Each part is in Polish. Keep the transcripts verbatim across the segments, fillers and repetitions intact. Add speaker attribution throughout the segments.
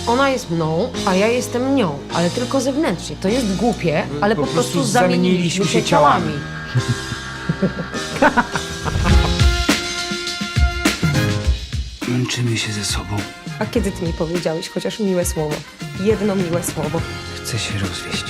Speaker 1: Ona jest mną, a ja jestem nią, ale tylko zewnętrznie. To jest głupie, ale po,
Speaker 2: po
Speaker 1: prostu
Speaker 2: prostu
Speaker 1: zamieniliśmy się ciałami.
Speaker 2: Męczymy się ze sobą.
Speaker 1: A kiedy ty mi powiedziałeś chociaż miłe słowo? Jedno miłe słowo.
Speaker 2: Chcę się rozwieść.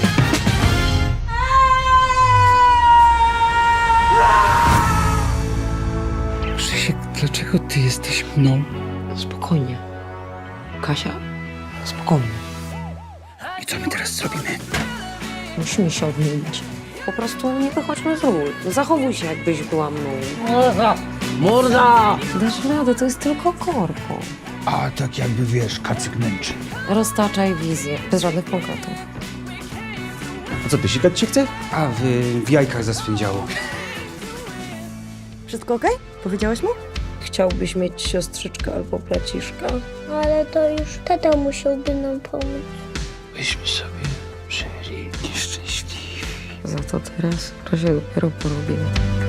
Speaker 2: Krzysiek, dlaczego ty jesteś mną?
Speaker 1: Spokojnie. Kasia, spokojnie.
Speaker 2: I co my teraz zrobimy?
Speaker 1: Musimy się odmienić. Po prostu nie wychodźmy z ról. Zachowuj się, jakbyś była mną.
Speaker 2: Morda!
Speaker 1: Dasz radę, to jest tylko korpo.
Speaker 2: A tak jakby wiesz, kacyk męczy.
Speaker 1: Roztaczaj wizję, bez żadnych konkretów.
Speaker 3: A co, ty sikać się chce?
Speaker 2: A w, w jajkach zaswędziało.
Speaker 1: Wszystko okej? Powiedziałeś mu? Chciałbyś mieć siostrzyczkę albo braciszka?
Speaker 4: Ale to już tata musiałby nam pomóc.
Speaker 2: Byśmy sobie żyli nieszczęśliwi.
Speaker 1: Za to teraz to się dopiero porobiło.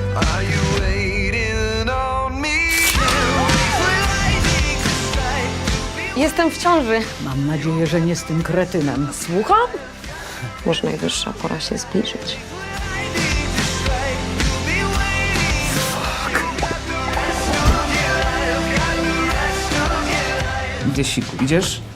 Speaker 1: Jestem w ciąży.
Speaker 5: Mam nadzieję, że nie z tym kretynem.
Speaker 1: Słucham? Może najwyższa pora się zbliżyć.
Speaker 2: Idę siku, idziesz?